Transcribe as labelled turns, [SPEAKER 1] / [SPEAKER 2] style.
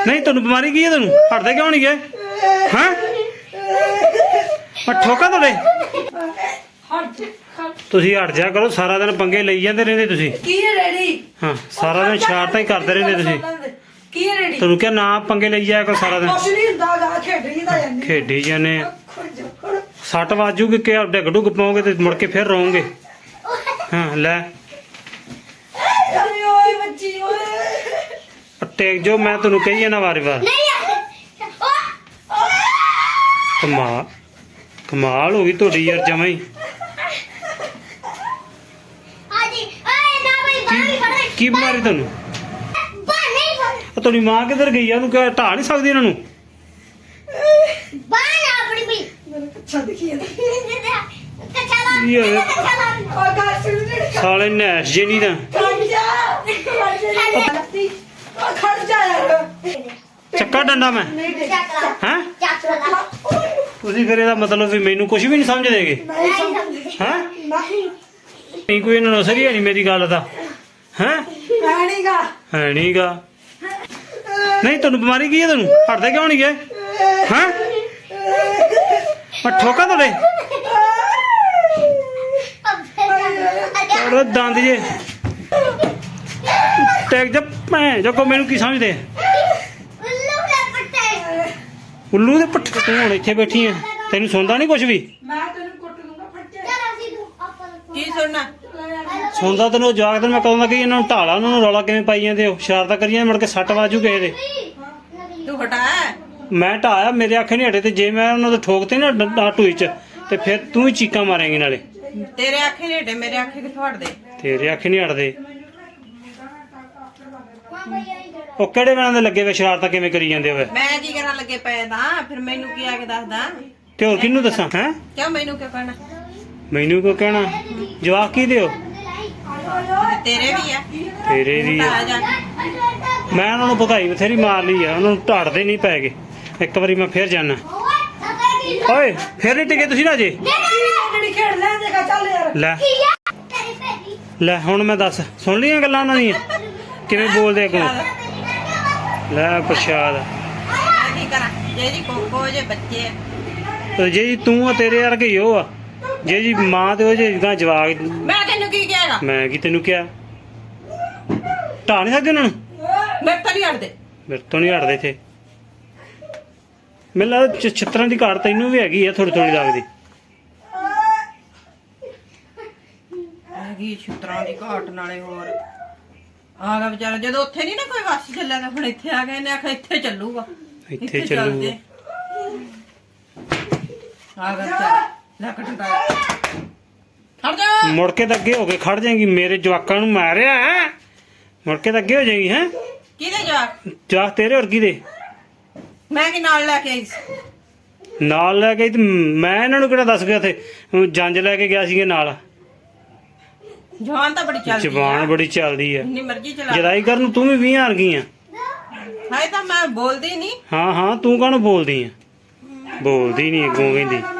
[SPEAKER 1] नहीं तेन बीमारी की है तेन हटते क्यों नहीं गए हैं मैं ठोका थोड़े तुसी हट जा करो सारा दिन पंगे लई जाते रहंदे तुसी हाँ सारा दिन शरारतां ही करते रहंदे तुसी तेनू क्या ना पंगे लई जाया करो सारा दिन खेडी जाने सट वाजूगी क्या डिग डुग पाओगे तो मुड़ के फिर रोओगे हाँ ले टेक जो मैं तेनू कही है ना बारी बार कमाल कमाल होगी थोड़ी यार जमा ही की बीमारी तेन थोड़ी मां किधर गई है क्या ढा नहीं सकती इन्हों साले नैश जे नहीं चक्का डंडा मैं हैं फिर ਇਹਦਾ मतलब भी मैनू कुछ भी नहीं समझ देगे हैं नहीं कोई इन्होंने असर ही है नहीं मेरी गल का हैं है नहीं गा नहीं तेन बीमारी की है तेन हटते क्यों नहीं गए हैं मैं ठोका थोड़े दंद जे टैग जब जो को मैनू की समझते उल्लू दे पट्ठे तू हुण इत्थे बैठी है तेन सुनता नहीं कुछ भी सुनता तेन जाग तेन मैं कहूँगा कि इन्होंने ढाला उन्होंने रौला किवें पाई जांदे हो शरारत करी जांदे मुड़ के सट वाजू किसे दे मैं ढाया मेरे आखे नहीं हटे ते जे मैं उन्होंने ठोकते ना टूई च ते फिर तू ही चीकां मारेंगी नाले
[SPEAKER 2] तेरे आखे नहीं हटे मेरे आखे कित्थों हटदे
[SPEAKER 1] तेरे आखे नहीं हटदे ਉਹ ਕਿਹੜੇ ਵੇਲੇ ਦੇ ਲੱਗੇ ਵੇ ਸ਼ਰਾਰਤਾਂ ਕਿਵੇਂ ਕਰੀ ਜਾਂਦੇ ਹੋਵੇ
[SPEAKER 2] ਮੈਂ ਕੀ ਕਰਨ ਲੱਗੇ ਪਏ ਤਾਂ ਫਿਰ ਮੈਨੂੰ ਕੀ ਆ ਕੇ ਦੱਸਦਾ
[SPEAKER 1] ਤੇ ਹੋਰ ਕਿਹਨੂੰ ਦੱਸਾਂ ਹੈ
[SPEAKER 2] ਕਿਉਂ ਮੈਨੂੰ ਕਿਉਂ ਕਹਿਣਾ
[SPEAKER 1] ਮੈਨੂੰ ਕਿਉਂ ਕਹਿਣਾ ਜਵਾਬ ਕੀ ਦਿਓ
[SPEAKER 2] ਤੇਰੇ ਵੀ ਆ
[SPEAKER 1] ਤੇਰੇ ਵੀ ਆ ਮੈਂ ਉਹਨਾਂ ਨੂੰ ਭਗਾਈ ਬਥੇਰੀ ਮਾਰ ਲਈ ਆ ਉਹਨਾਂ ਨੂੰ ਢਾੜਦੇ ਨਹੀਂ ਪੈ ਗਏ ਇੱਕ ਵਾਰੀ ਮੈਂ ਫੇਰ ਜਾਣਾ ਓਏ ਫੇਰ ਨਹੀਂ ਟਿਕੇ ਤੁਸੀਂ ਨਾ ਜੇ ਲੈ ਲੈ ਹੁਣ ਮੈਂ ਦੱਸ ਸੁਣ ਲਈਆਂ ਗੱਲਾਂ ਉਹਨਾਂ ਦੀਆਂ ਕਿਵੇਂ ਬੋਲਦੇ ਅੱਗੋਂ ਲੈ ਪ੍ਰਸ਼ਾਦ
[SPEAKER 2] ਕੀ ਕਰਾਂ ਜੇ ਜੀ ਕੋਕੋ ਜੇ ਬੱਚੇ
[SPEAKER 1] ਜੇ ਜੀ ਤੂੰ ਆ ਤੇਰੇ ਵਰਗੇ ਹੀ ਉਹ ਆ ਜੇ ਜੀ ਮਾਂ ਤੇ ਉਹ ਜੇ ਜਵਾਕ
[SPEAKER 2] ਮੈਂ ਤੈਨੂੰ ਕੀ ਕਿਹਾਗਾ
[SPEAKER 1] ਮੈਂ ਕੀ ਤੈਨੂੰ ਕਿਹਾ ਢਾ ਨਹੀਂ ਸਕਦੇ ਉਹਨਾਂ ਨੂੰ
[SPEAKER 2] ਮੇਰੇ ਤੋਂ ਨਹੀਂ ਹਟਦੇ
[SPEAKER 1] ਮੇਰੇ ਤੋਂ ਨਹੀਂ ਹਟਦੇ ਇੱਥੇ ਮੈਨੂੰ ਲੱਗਦਾ ਛਿੱਤਰਾਂ ਦੀ ਘਾਟ ਤੈਨੂੰ ਵੀ ਹੈਗੀ ਆ ਥੋੜੀ ਥੋੜੀ ਲੱਗਦੀ
[SPEAKER 2] ਹੈਗੀ ਛਿੱਤਰਾਂ ਦੀ ਘਾਟ ਨਾਲੇ ਹੋਰ ਆ ਗਿਆ ਵਿਚਾਰਾ ਜਦੋਂ ਉੱਥੇ ਨਹੀਂ ਨਾ ਕੋਈ ਵਾਸੀ ਚੱਲਿਆ ਤਾਂ ਹੁਣ ਇੱਥੇ ਆ ਗਏ ਨੇ ਆਖਿਆ ਇੱਥੇ ਚੱਲੂਗਾ
[SPEAKER 1] ਇੱਥੇ ਚੱਲੂਗਾ
[SPEAKER 2] ਆ ਗਿਆ ਵਿਚਾਰਾ ਲੱਕ ਟੁੱਟਾ ਖੜ ਜਾ
[SPEAKER 1] ਮੁੜ ਕੇ ਤਾਂ ਅੱਗੇ ਹੋ ਕੇ ਖੜ ਜਾਏਗੀ ਮੇਰੇ ਜਵਾਕਾਂ ਨੂੰ ਮਾਰਿਆ ਮੁੜ ਕੇ ਤਾਂ ਅੱਗੇ ਹੋ ਜਾਏਗੀ ਹੈ
[SPEAKER 2] ਕਿਹਦੇ ਜਾ
[SPEAKER 1] ਜਵਾਕ ਤੇਰੇ ਹੋਰ ਕਿਹਦੇ
[SPEAKER 2] ਮੈਂ ਕੀ ਨਾਲ ਲੈ ਕੇ ਆਈ ਸੀ
[SPEAKER 1] ਨਾਲ ਲੈ ਕੇ ਤੇ ਮੈਂ ਇਹਨਾਂ ਨੂੰ ਕਿਹੜਾ ਦੱਸ ਗਿਆ ਉੱਥੇ ਜੰਜ ਲੈ ਕੇ ਗਿਆ ਸੀਗੇ ਨਾਲ
[SPEAKER 2] ਜਵਾਨ ਤਾਂ ਬੜੀ ਚੱਲਦੀ
[SPEAKER 1] ਜ਼ਬਾਨ ਬੜੀ ਚੱਲਦੀ ਆ
[SPEAKER 2] ਜਿੰਨੀ ਮਰਜ਼ੀ ਚਲਾ
[SPEAKER 1] ਜਦਾਈ ਕਰਨ ਨੂੰ ਤੂੰ ਵੀ 20 ਹਾਰ ਗਈ ਆ
[SPEAKER 2] ਹਾਏ ਤਾਂ ਮੈਂ ਬੋਲਦੀ ਨਹੀਂ
[SPEAKER 1] ਹਾਂ ਹਾਂ ਤੂੰ ਕਾਹਨੂੰ ਬੋਲਦੀ ਆ ਬੋਲਦੀ ਨਹੀਂ ਅੱਗੋਂ ਕਹਿੰਦੀ